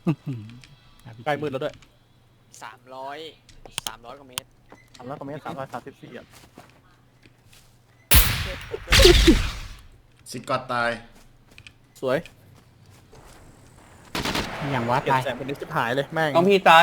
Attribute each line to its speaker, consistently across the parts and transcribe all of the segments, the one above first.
Speaker 1: ใกล้มืดแล้วด้วย
Speaker 2: 300กว่าเมตร
Speaker 3: 300 กว่าเมตร334อ่ะ
Speaker 4: ซิกอตตาย
Speaker 1: สวย
Speaker 5: อย่างว่า
Speaker 3: เก็บ
Speaker 5: ตาย
Speaker 3: แสงเป็นนิดชิบหายเลยแม่ง
Speaker 6: น้องพี่ตาย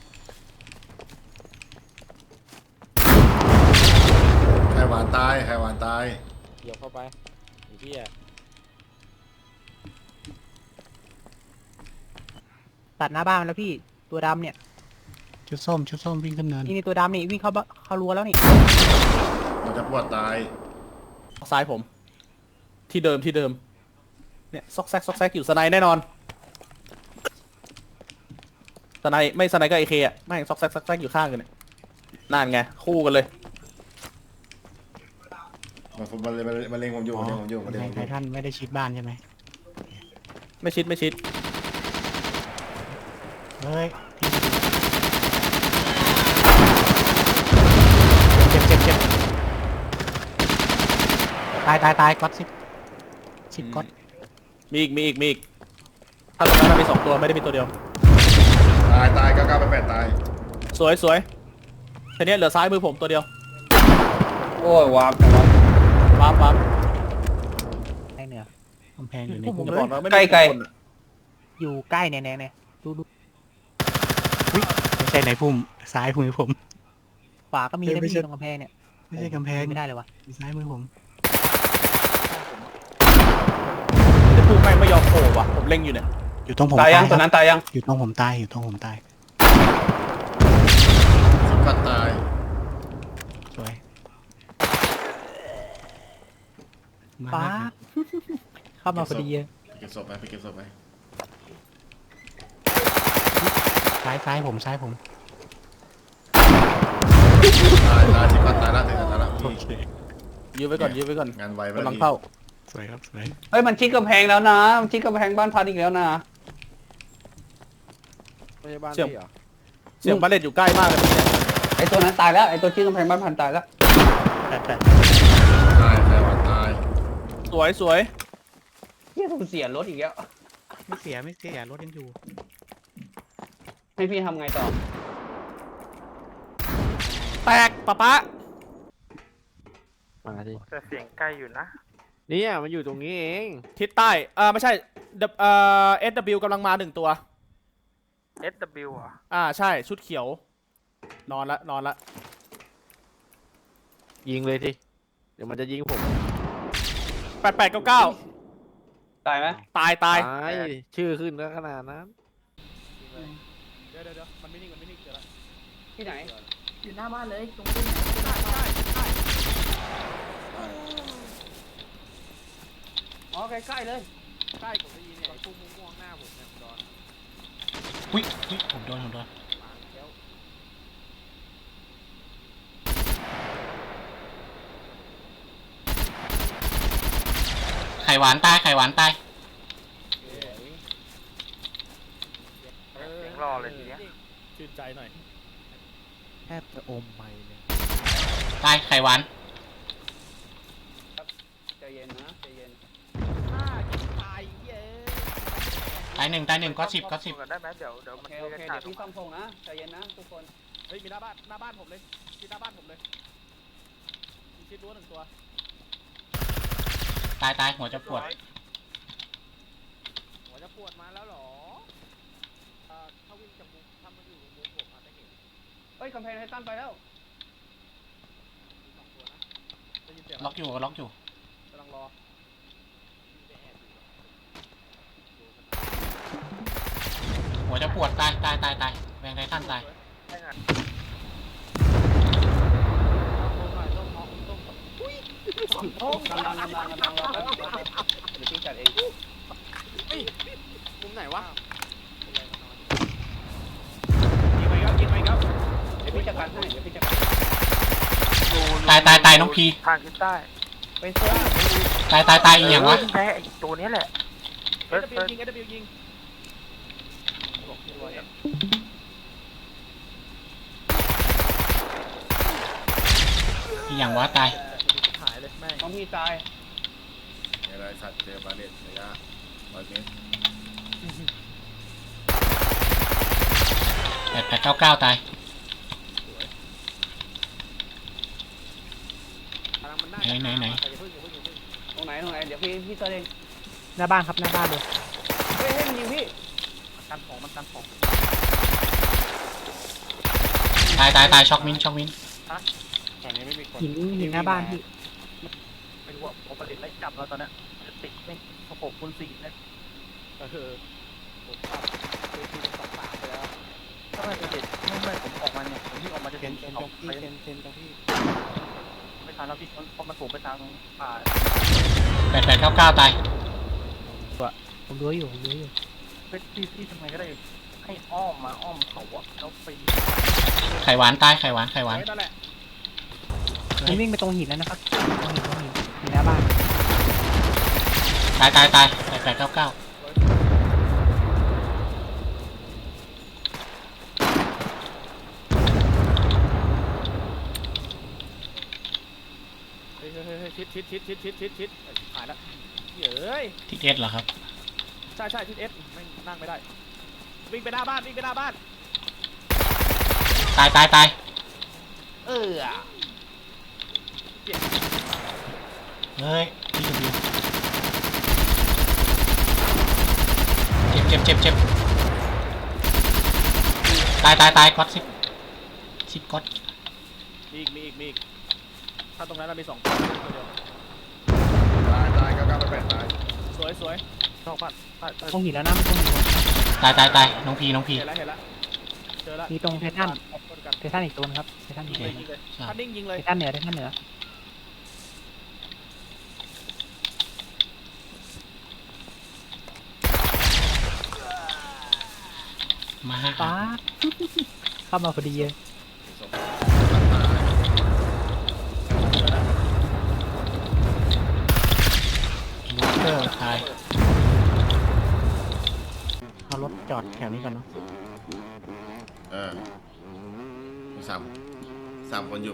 Speaker 4: ไข่หวานตายไข่หวานตาย
Speaker 2: เดี๋ยวเข้าไปไอ้เหี้ย
Speaker 5: ตัดหน้าบ้านแล้วพี่ตัวดำเนี่ย
Speaker 7: ชุดส้มวิ่งขึ้นเนิน
Speaker 5: นี่ตัวดำนี่วิ่งเข้ารั้วแล้วนี่
Speaker 4: มันจะปวดตาย
Speaker 1: ซ้ายผม ที่เดิมเนี่ยซอกแซกอยู่สไนแน่นอนสไนไม่สไนก็ไอเคอ่ะไม่ซอกแซกอยู่ข้างกันเนี่ยนั่นไงคู่กันเลย
Speaker 4: มันเล็งผมอยู่มันเล็งผมอยู่มันเล็งผมอ
Speaker 7: ไท
Speaker 4: ยู่
Speaker 7: ทันไม่ได้ชิดบ้านใช่ไหม
Speaker 1: ไม่ชิด
Speaker 7: เฮ้ย
Speaker 5: เจ็บตายก๊อตสิบก๊อต
Speaker 1: มีอีกถ้าตรงนั้นมี2ตัวไม่ได้มีตัวเดียว
Speaker 4: ตาย99/8ตาย
Speaker 1: สวยทีนี้เหลือซ้ายมือผมตัวเดียว
Speaker 6: โอ้ยวาร์ปจังวะ
Speaker 1: ปั๊บ
Speaker 5: ได้เหนือก
Speaker 7: ำแพงอยู่ใน
Speaker 1: ผม
Speaker 7: พุ่ม
Speaker 1: จะบอกนะไม่
Speaker 6: ใกล้
Speaker 5: อยู่ใกล้แน่ดู
Speaker 7: ไม่ใช่ในพุ่มซ้ายมือผม
Speaker 5: ขวาก็มีนะ
Speaker 7: ไม่
Speaker 5: พี่
Speaker 7: ใช่
Speaker 5: ตรงกำแพงเนี่ย
Speaker 7: ไม่ใช่กำแพง
Speaker 5: ไม่ได้เลยวะ
Speaker 7: ซ้ายมือผม
Speaker 1: แต่พุ่งแม่งไม่ยอมโผล่ว่ะผมเล็งอยู่เนี่ย
Speaker 7: อยู่ตรงผม
Speaker 6: ตายยัง
Speaker 7: ค
Speaker 6: ต
Speaker 7: รั
Speaker 6: อนนั้นตายยัง
Speaker 7: อยู่ตรงผมตาย
Speaker 4: ซิกอตตาย
Speaker 7: สวยมา
Speaker 5: ฟ้าเข้ามาพอดีเลย
Speaker 4: ไปเก็บศพไป
Speaker 7: ซ้ายผม
Speaker 4: ตายซิกอตตายแล้วถึงตายแล้ว
Speaker 7: โอเค
Speaker 1: ยื้อไว้ก่อน
Speaker 4: งานไวไป
Speaker 1: กำลังเข้า
Speaker 7: สวยครับสวย
Speaker 6: เฮ้ยมันชิดกำแพงแล้วนะมันชิดกำแพงบ้านพันอีกแล้วนะ
Speaker 2: ไม่ใช่บ้าน
Speaker 1: เชื่อม
Speaker 2: พี่เหรอ
Speaker 1: เสียงบาเลตอยู่ใกล้มากเลยเนี่ย
Speaker 6: ไอตัวนั้นตายแล้วไอตัวชิดกำแพงบ้านพันตายแล้ว
Speaker 1: แต่
Speaker 4: ตายไข่หวานตาย
Speaker 1: สวย
Speaker 6: เฮียกูเสียรถอีกแล้ว
Speaker 7: ไม่เสียรถยังอยู่
Speaker 6: ให้พี่ทำไงต่อ
Speaker 1: แตกป๊า
Speaker 2: มาดิ
Speaker 3: แต่เสียงใกล้อยู่นะ
Speaker 2: เนี่ยมันอยู่ตรงนี้เอง
Speaker 1: ทิศใต้ไม่ใช่SW กำลังมา1ตัว
Speaker 3: SW อ่ะ
Speaker 1: ใช่ชุดเขียว นอนละ
Speaker 2: ยิงเลยทีเดี๋ยวมันจะยิงผม
Speaker 1: 8899
Speaker 6: ตายไหม
Speaker 1: ตาย
Speaker 2: ตายชื่อขึ้นก็ขนาดนั้น
Speaker 1: เดี๋ยวมันไม่นิ่งเดี๋ยวละ
Speaker 6: ที่ไหน
Speaker 8: อยู่หน้าบ้านเลยตรงนี้
Speaker 6: อ๋อใกล้ๆเลย
Speaker 1: ใกล้ผมได้ยินเนี่ยไอ้พุ่งม่วงๆหน้าผมเนี่ยคุณดอน
Speaker 7: อุ้ยผมโดน ไข่หวานตาย
Speaker 3: เสียงรอเลยทีเนี้ย
Speaker 1: ชื่นใจหน่อย
Speaker 2: แทบจะอมไม่เลย
Speaker 7: ตายไข่หวาน
Speaker 6: ใจเย็นนะใจเย็น
Speaker 1: ตายเย้
Speaker 7: ตายหนึ่งก็สิบ
Speaker 3: กันได้ไหมเดี๋ยว
Speaker 6: โอ
Speaker 3: มัน
Speaker 6: เค
Speaker 3: เท
Speaker 6: โอ
Speaker 3: กัน
Speaker 6: เค
Speaker 3: ขา
Speaker 6: เดี๋
Speaker 3: ด
Speaker 6: ยวพี่ซ่อมพงนะใจเย็นนะทุกคน
Speaker 1: เฮ้ยมีหน้าบ้านผมเลยที่หน้าบ้านผมเลยมีชิดรั้ว1ตัว
Speaker 7: ตายหัวจะปวด
Speaker 1: หัวจะปวดมาแล้วเหรอถ้าวิ่งจากมุมถ้ามันอยู่มุมผมอาจจะเห็น
Speaker 6: เฮ้ยกำแพงไททันไปแล้ว
Speaker 1: มี2ตัวนะได้ยินเสียง
Speaker 7: ล็อกอยู่
Speaker 1: กำลังรอ
Speaker 7: หัวจะปวดตายแรงไททันตาย
Speaker 3: ได้งาน
Speaker 6: กำลังรอแป๊บเดี๋ยวพี่จัดเอง
Speaker 2: มุมไหนวะ
Speaker 1: ยิงไปครับ
Speaker 6: เดี๋ยวพี่จัดการให้เดี๋ยวพี่จัดการ
Speaker 7: ตายน้องพี
Speaker 3: ทางทิศใต้
Speaker 6: ไปเสื้อ
Speaker 7: ตายอีกอย่างวะ
Speaker 3: แค่ไอ้ตัวนี้แหละ
Speaker 1: SW ยิง
Speaker 7: อีกอย่างวะตาย
Speaker 1: หายเลยแม่ง
Speaker 6: น้องพี่ตาย
Speaker 4: อะไรสัตว์เจอบาเลตระยะ100 เมตร
Speaker 7: 8899ตาย
Speaker 2: กำลังมันได้
Speaker 7: ไหน
Speaker 2: อย่าเพิ่ง
Speaker 6: ตรงไหนเดี๋ยวพี่เตอร์เอง
Speaker 5: หน้าบ้านครับหน้าบ้านเลย
Speaker 6: เฮ้ยมันยิงพี่
Speaker 3: กันของมันกันของ
Speaker 7: ตายช็อกมิน
Speaker 2: ฝั่งนี้ไม่มีคน
Speaker 5: หินหน้าบ้านพี่
Speaker 3: ไม่รู้ว่าโอเปอเรตไล่จับแล้วตอนเนี้ยติดไม่6 คูณ 4เนี่ย
Speaker 2: ผมปรับคือที่เป็น2 3ไปแล้ว
Speaker 3: ก็ไม่จะเด็ดไม่ผมออกมาเนี่ยผมที่ออกมาจะ
Speaker 2: เท
Speaker 3: เห็
Speaker 2: น
Speaker 3: น
Speaker 2: ตรง
Speaker 3: ออก
Speaker 2: พี่
Speaker 3: ไป
Speaker 2: เทนตรงพี่
Speaker 3: ไม่ทันแล้วพี่เพราะมันสูงไปทางป่า
Speaker 7: 8899ตาย
Speaker 5: ผมรู้อยู่
Speaker 3: พี่ทำไมก็ได้ให้อ้อมมาอ้อมเขาอะแล้วไป
Speaker 7: ไข่หวานตายไข่หวาน
Speaker 2: นั่นแหละ
Speaker 5: มันวิ่งไปตรงหินแล้วนะครับตรงหินหินหน้าบ้าน
Speaker 7: ตาย8899
Speaker 2: เฮ้ยชิดหายแล้วเฮ้ย
Speaker 7: ทิศเอสเหรอครับ
Speaker 2: ใช่ทิศเอสไม่นั่งไม่ได้วิ่งไปหน้าบ้าน
Speaker 7: ตาย
Speaker 2: เออ
Speaker 7: เฮ้ยพี่ดีเจ็บตายก๊อตซิก๊อต
Speaker 2: มีอีกถ้าตรงนั้นเรามี2 คนตัวเดียว
Speaker 4: ตาย9988ตาย
Speaker 2: สวยชอบพัด
Speaker 5: ตรงหินแล้วนะไม่ตรงหิน
Speaker 7: ตายน้องพี
Speaker 2: เห็นแล้วเจอแล้ว
Speaker 5: มีตรงไททัน
Speaker 2: คนกัน
Speaker 5: ไททันอีกตัวนึงครับไททันอีก
Speaker 2: ยิง
Speaker 5: ตัว
Speaker 2: เลยถ้านิ่งยิงเลย
Speaker 5: ไททันเหนือ
Speaker 7: มา
Speaker 5: ป้าเข้ามาพอดีเลย
Speaker 4: ศพตาย
Speaker 7: ลูเตอร์ตาย
Speaker 5: เอารถจอดแถวนี้ก่อนเนาะ
Speaker 4: มีสามคนอยู่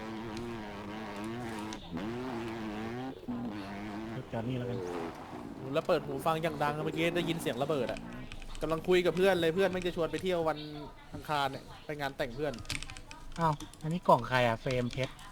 Speaker 5: รถจอดนี่แล้วกัน
Speaker 1: แล้วเปิดหูฟังอย่างดังเมื่อกี้ได้ยินเสียงระเบิดอ่ะกำลังคุยกับเพื่อนเลยเพื่อนแม่งจะชวนไปเที่ยววันอังคารเนี่ยไปงานแต่งเพื่อน
Speaker 5: อ้าวอันนี้กล่องใครอะเฟรมเพชร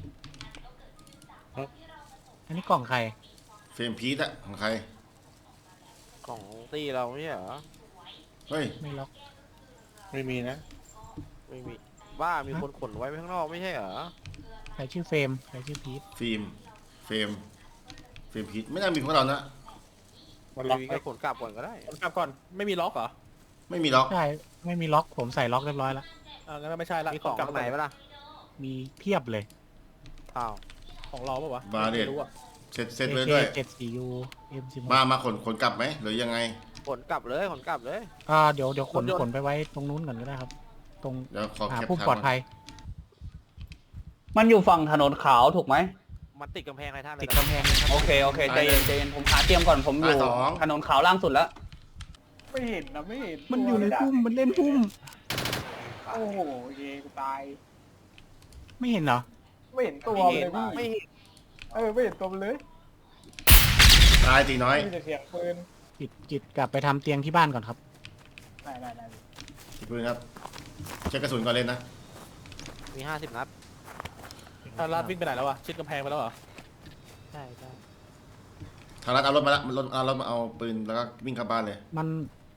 Speaker 5: อันนี้กล่องใคร
Speaker 4: เฟรมพีทอะของใคร
Speaker 2: ของตีเราไม่ใช่เหรอ
Speaker 4: เฮ้ย
Speaker 5: ไม่ล็อก
Speaker 2: ไม่มีบ้ามีคนขนไว้ข้างนอกไม่ใช่เหรอ
Speaker 5: ใครชื่อเฟรมใครชื่อพีท
Speaker 4: เฟรมพีทไม่น่ามีพวกเรานะ
Speaker 2: มันล็อกก็ขนกลับก่อนก็ได้
Speaker 1: กลับก่อนไม่มีล็อกเหรอ
Speaker 4: ไม่มีล็อก
Speaker 5: ใช่ไม่มีล็อกผมใส่ล็อกเรียบร้อยแล้ว
Speaker 1: งั้นก็ไม่ใช่ละ
Speaker 2: มีของ
Speaker 1: กลับ
Speaker 2: ข้างในปะล่ะ
Speaker 5: มีเพียบเลย
Speaker 2: อ้าว
Speaker 1: ของเราปะวะ
Speaker 4: บาเดต
Speaker 1: ไม่รู้อะ
Speaker 4: เซ็ตเลยด้วย
Speaker 5: 74U M16
Speaker 4: มาขนกลับไหมหรือยังไง
Speaker 2: ขนกลับเลย
Speaker 5: เดี๋ยวขนไปไว้ตรงนู้นก่อนก็ได้ครับ ตรง
Speaker 4: เดี๋ยวขอ
Speaker 5: หา
Speaker 4: แคป
Speaker 5: ผู้
Speaker 4: ทาง
Speaker 5: ปลอดภัย
Speaker 6: มันอยู่ฝั่งถนนขาวถูกไหม
Speaker 2: มันติดกำแพงอะไรท่านเลย
Speaker 5: ติดกำแพงเลยครับ
Speaker 6: โอเคใจเย็นผมหาเตรียมก่อนผมอยู่ถนนขาวล่างสุดแล้ว
Speaker 3: ไม่เห็นนะไม่เห็น
Speaker 5: มันอยู่ในพุ่มมันเล่นพุ่ม
Speaker 3: โอ้โหเยกูตาย
Speaker 5: ไม่เห็นเหรอ
Speaker 3: ไม่เห็นตัวเลยพี่
Speaker 2: ไม่เห็น
Speaker 3: ไม่เห็นตัวเลย
Speaker 4: ตายตีน้อย
Speaker 3: มีแต่เสียงปืน
Speaker 5: กิดกลับไปทำเตียงที่บ้านก่อนครับ
Speaker 3: ได้
Speaker 4: ตีปืนครับเช็คกระสุนก่อนเล่นนะ
Speaker 2: มี50 นัด
Speaker 1: ลาดวิ่งไปไหนแล้ววะชิดกำแพงไปแล้วเหรอ
Speaker 5: ใช่
Speaker 4: ทางรัฐเอารถมาละเอารถมาเอาปืนแล้วก็วิ่งเข้าบ้านเลย
Speaker 5: มัน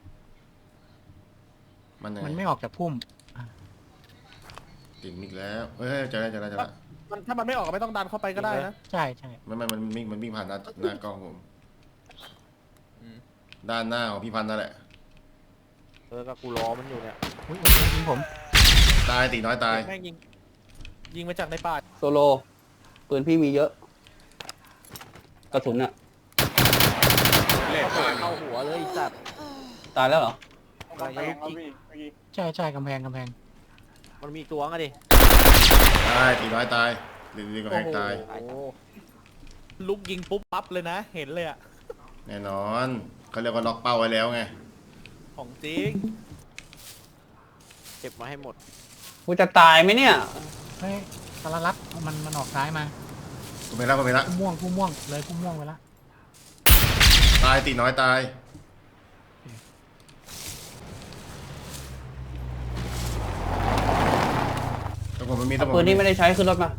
Speaker 4: มันยัง
Speaker 5: มัน
Speaker 4: ไง
Speaker 5: ไม่ออกจากพุ่ม
Speaker 4: ติดมิกแล้วเฮ้ยเจอแล้ว
Speaker 1: ถ้ามันไม่ออกก็ไม่ต้องดันเข้าไปก็ได้นะ
Speaker 5: ใช่
Speaker 4: มันวิ่งผ่านหน้ากล้องผมด้านหน้าของพี่พันธ์นั่นแหละ
Speaker 2: ก็กูรอมันอยู่เนี่ย
Speaker 5: อุ๊ยยิงผม
Speaker 4: ตายตีน้อยตาย
Speaker 1: แม่งยิงมาจากในป่า
Speaker 6: โซโลปืนพี่มีเยอะ กระสุนอะ
Speaker 2: เข้าหัวเลยจัด
Speaker 6: ตายแล้วเหรอ
Speaker 2: อะไรจะลุกยิง
Speaker 5: ใช่กำแพง
Speaker 2: มันมีตัวงอะดิ
Speaker 4: ตายตีน้อยตายดึงกระแพงตาย
Speaker 1: โอ้โหลุกยิงปุ๊บปั๊บเลยนะ เห็นเลยอะ
Speaker 4: แน่นอนเขาเรียกว่าล็อกเป้าไว้แล้วไง
Speaker 1: ของจริง
Speaker 2: เก็บมาให้หมด
Speaker 6: กูจะตายไหมเนี่ย
Speaker 5: เฮ้ยสารลัดมันออกซ้ายมา
Speaker 4: ผมไปละ
Speaker 5: ผู้ม่วงเลยผู้ม่วงไปละ
Speaker 4: ตายตีน้อยตายผมมันมี
Speaker 6: เอาปืนที่ไม่ได้ใช้ขึ้นรถมา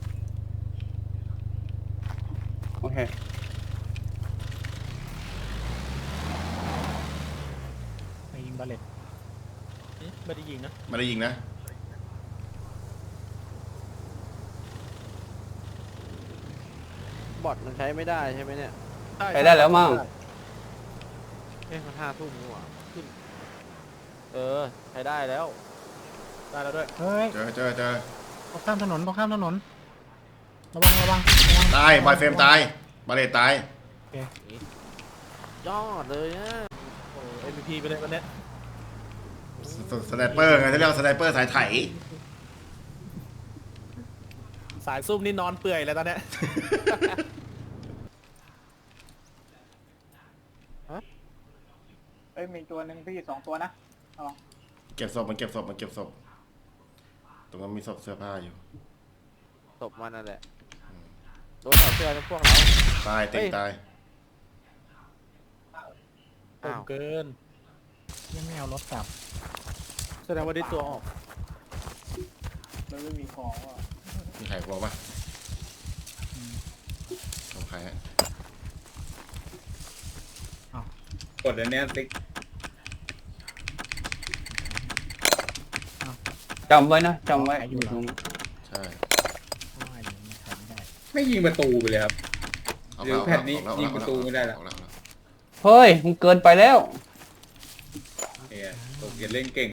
Speaker 6: โอเค
Speaker 5: ไปยิงบาเลต
Speaker 1: ไม่ได้ยิงนะ
Speaker 4: ไม่ได้ยิงนะ
Speaker 2: บอทมันใช้ไม่ได้ใช่ไหมเนี่ย
Speaker 6: ไปได้แล้วมั้ง
Speaker 2: มัน5 ทุ่มนี่หว่าขึ้นใช้ได้แล้ว
Speaker 1: ได้แล้วด้วย
Speaker 5: เฮ้ย
Speaker 4: เจอ
Speaker 5: ตรงข้ามถนนระวังระวัง
Speaker 4: ตายบอยเฟรมตายบาเลตตาย
Speaker 2: ยอดเลยนะ
Speaker 1: โอ้เอ็มพีไปเลยวันเนี้ย
Speaker 4: สไนเปอร์ไงที่เรียกว่าสไนเปอร์สายไถ
Speaker 1: สายซุ่มนี่นอนเปื่อยเลยตอนเนี้ย
Speaker 3: เอ้ยมีตัวหนึ่งพี่2 ตัวนะ
Speaker 4: เก็บศพมันเก็บศพตรงนั้นมีศพเสื้อผ้าอยู่
Speaker 2: ศพมันนั่นแหละโดนเอาเสื้อในพวกเรา
Speaker 4: ตายเต็มตาย
Speaker 2: อ้าว
Speaker 1: เกิน
Speaker 5: ยังไม่เอารถกลับ
Speaker 1: แสดงว่าได้ตัวออก
Speaker 3: มันไม่มีของว่ะ
Speaker 4: มีใครบอกปะของใครฮะ
Speaker 9: กดอันเนี้ยติ๊ก
Speaker 6: จำไว้นะจำไว้
Speaker 5: อยู่ตรง
Speaker 4: ใช่
Speaker 9: ไม่ยิงประตูไปเลยครับ
Speaker 4: เอา
Speaker 9: เดี๋ยวแผ่นนี้ยิงประตูไม่ได้ละ
Speaker 4: เอาแล้ว
Speaker 6: เฮ้ยมันเกินไปแล้ว
Speaker 9: เนี่ยตกอย่าเล่นเก่ง